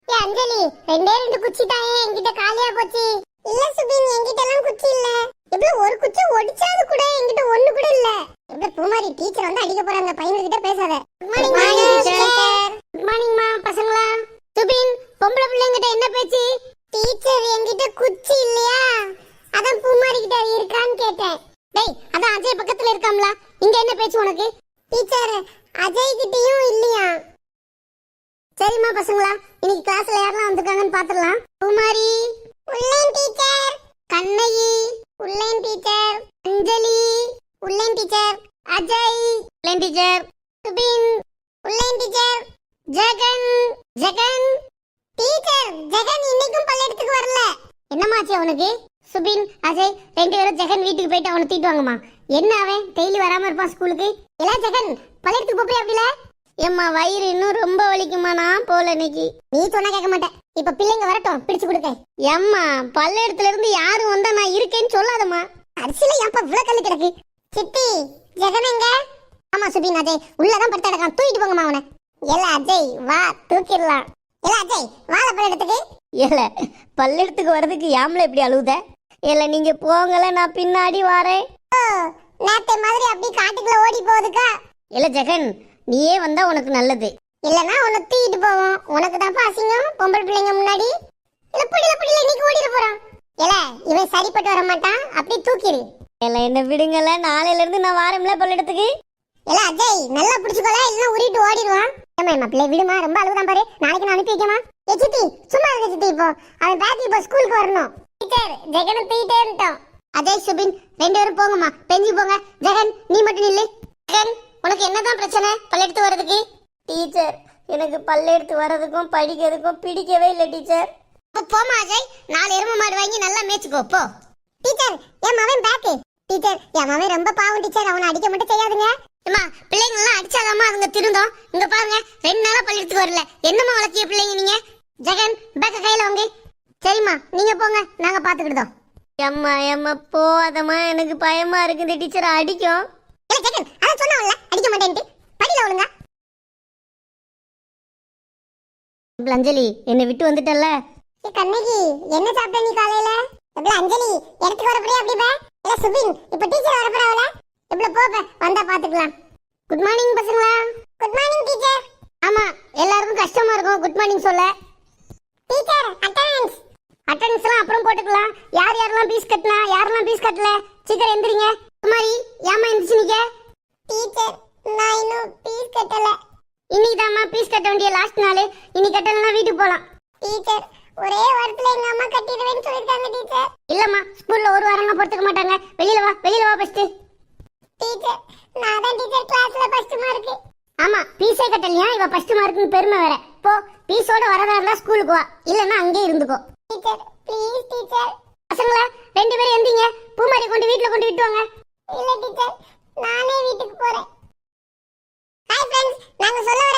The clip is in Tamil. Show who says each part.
Speaker 1: அஞ்சலி, ரெண்டே ரெண்டு குச்சி தாயே, என்கிட்ட காலியா போச்சு. இல்ல சுபின், என்கிட்ட எல்லாம் குச்சி இல்ல. இப்ப ஒரு குச்சி ஒடிச்சாது கூட என்கிட்ட ஒண்ணு கூட இல்ல. இப்ப பூமாரி டீச்சர் வந்து அடிக்க போறாங்க, பையன் கிட்ட பேசாத. Good morning teacher. Good morning மா. பசங்களா? சுபின், பொம்பளை பிள்ளைங்கிட்ட என்ன பேச்சு? டீச்சர், என்கிட்ட குச்சி இல்லையா, அதான் பூமாரி கிட்ட இருக்கான்னு கேட்டேன். டேய், அதான் அஜய் பக்கத்துல இருக்காம்ல, இங்க என்ன பேச்சு உனக்கு? டீச்சர், அஜய் கிட்டயும் இல்லையா. சரிம்மா பசங்களா, இன்னைக்கு கிளாஸ்ல யாரெல்லாம் வந்திருக்காங்கன்னு பாத்துடலாம். குமாரி உள்ளேன் டீச்சர். கண்ணகி உள்ளேன் டீச்சர். அஞ்சலி உள்ளேன் டீச்சர். அஜய் உள்ளேன் டீச்சர். சுபின் உள்ளேன் டீச்சர். ஜெகன் ஜெகன் டீச்சர். ஜெகன் இன்னைக்கும் பள்ளியிடத்துக்கு வரல. என்னமாச்சு அவனுக்கு? சுபின், அஜய் ரெண்டு பேரும் ஜெகன் வீட்டுக்கு போயிட்டு அவனை தீட்டு வாங்கம்மா. என்ன அவன் டெய்லி வராம இருப்பான் ஸ்கூலுக்கு? இல்ல ஜெகன், பள்ளியிடத்துக்கு போய் அப்படில. ஏம்மா, வயிறு இன்னும் ரொம்ப வலிக்குமா, நான் போல இன்னைக்கு. நீ சொன்னா கேட்க மாட்டேன். இப்ப பிள்ளைங்க வரட்டும், பிடிச்சு கொடுக்க. ஏம்மா, பள்ளியிடத்துல இருந்து யாரும் வந்தா நான் இருக்கேன்னு சொல்லாதம்மா. அரிசியில ஏன்ப்பா இவ்வளவு கல்லு கிடக்கு? சித்தி, ஜெகன் எங்க? ஆமா சுபின், அஜய் உள்ளதான் படுத்து கிடக்கான், தூக்கிட்டு போங்கம்மா அவனை. இல்ல அஜய் வா, தூக்கிடலாம். இல்ல அஜய் வாழ பள்ளியிடத்துக்கு. இல்ல பள்ளியிடத்துக்கு வர்றதுக்கு யாமல எப்படி அழுவுத? இல்ல நீங்க போங்கல, நான் பின்னாடி வரேன். நேத்தை மாதிரி அப்படி காட்டுக்குள்ள ஓடி போகுதுக்கா. இல்ல ஜெகன், நீயே வந்தா உனக்கு நல்லது. இல்லனா உன்னை தூக்கிட்டு போவோம். உனக்கு தான் அசிங்கம் பொம்பளை பிள்ளைங்க முன்னாடி. இல்ல புடில இன்னைக்கு ஓடிட போறான். இல்ல இவன் சரிப்பட்டு வர மாட்டான், அப்படி தூக்கிடு. இல்ல என்ன விடுங்கல, நாளையில இருந்து நான் வாரம்ல பள்ளியிடத்துக்கு. இல்ல அஜய் நல்லா பிடிச்சுக்கோல, இல்ல உருட்டு ஓடிடுவான். ஏமா பிள்ளை விடுமா, ரொம்ப அழுகுதான் பாரு, நாளைக்கு நான் அனுப்பி வைக்கமா. ஏ சித்தி, சும்மா இருக்க சித்தி, இப்போ அவன் பேத்தி இப்போ ஸ்கூலுக்கு வரணும். டீச்சர், ஜெகனை தூக்கிட்டே இருந்தோம். அஜய் சுபின் ரெண்டு பேரும் போங்கம்மா, பெஞ்சு போங்க. ஜெகன் நீ மட்டும் நில்லு. ஜெகன், உனக்கு என்னதான் பிரச்சனை பள்ளியெடுத்து வர்றதுக்கு? டீச்சர், எனக்கு பள்ளியெடுத்து வர்றதுக்கும் படிக்கிறதுக்கும் பிடிக்கவே இல்லை டீச்சர். போமா அஜய், 4 எருமை மாடு வாங்கி நல்லா மேய்ச்சுக்கோ போ. டீச்சர், என் மவன் பேக்கு. டீச்சர், என் மவன் ரொம்ப பாவம் டீச்சர், அவனை அடிக்க மட்டும் செய்யாதுங்க. அம்மா, பிள்ளைங்க எல்லாம் அடிச்சாதாம்மா அதுங்க திருந்தோம். இங்க பாருங்க, 2 நாளா பள்ளியெடுத்துக்கு வரல. என்னம்மா வளர்த்திய பிள்ளைங்க நீங்க? ஜெகன், பேக்க கையில வாங்க. சரிம்மா, நீங்க போங்க, நாங்க பாத்துக்கிட்டோம். அம்மா அம்மா போதம்மா, எனக்கு பயமா இருக்குது டீச்சர், அடிக்கும். அடிக்க மாட்டேன்ட்டு படியில ஒழுங்கா. அஞ்சலி, என்னை விட்டு வந்துட்டல்ல. கண்ணகி, என்ன சாப்பிட்ட நீ காலையில? அஞ்சலி, இடத்துக்கு வரப்படியே அப்படி பே. இல்ல சுபின், இப்ப டீச்சர் வரப்படாவல. இப்ப போப்ப, வந்தா பாத்துக்கலாம். குட் மார்னிங் பசங்களா. Good morning teacher. ஆமா, எல்லாருக்கும் கஷ்டமா இருக்கும் குட் மார்னிங் சொல்ல. Teacher, attendance. அட்டெண்டன்ஸ் எல்லாம் அப்புறம் போட்டுக்கலாம். யார் யாரெல்லாம் பீஸ் கட்டினா, யாரெல்லாம் பீஸ் கட்டல, சீக்கிரம் எந்திரிங்க. குமாரி, ஏமா எந்திரிச்சு நிக்க? டீச்சர், நான் இன்னும் பீஸ் கட்டல. இன்னைக்கு தாம்மா பீஸ் கட்ட வேண்டிய லாஸ்ட் நாள். இன்னைக்கு கட்டலன்னா வீட்டுக்கு போலாம். டீச்சர், ஒரே வாரத்துல எங்க அம்மா கட்டிடுவேன்னு சொல்லிருக்காங்க டீச்சர். இல்லம்மா, ஸ்கூல்ல ஒரு வாரம்லாம் பொறுத்துக்க மாட்டாங்க. வெளியில வா ஃபர்ஸ்ட். டீச்சர், நான் தான் டீச்சர் கிளாஸ்ல ஃபர்ஸ்ட் மார்க். ஆமா, பீஸே கட்டலையா, இவ ஃபர்ஸ்ட் மார்க்னு பெருமை வேற. போ, பீஸோட வரதா இருந்தா ஸ்கூலுக்கு வா, இல்லன்னா அங்கேயே இருந்துக்கோ. Teacher please teacher. பசங்களா, 2 பேரும் எந்திங்க, பூமாரி கொண்டு வீட்ல கொண்டு விட்டுவாங்க. இல்ல டீச்சர், நானே வீட்டுக்கு போறேன். ஹாய் फ्रेंड्स, நாங்க சொல்ல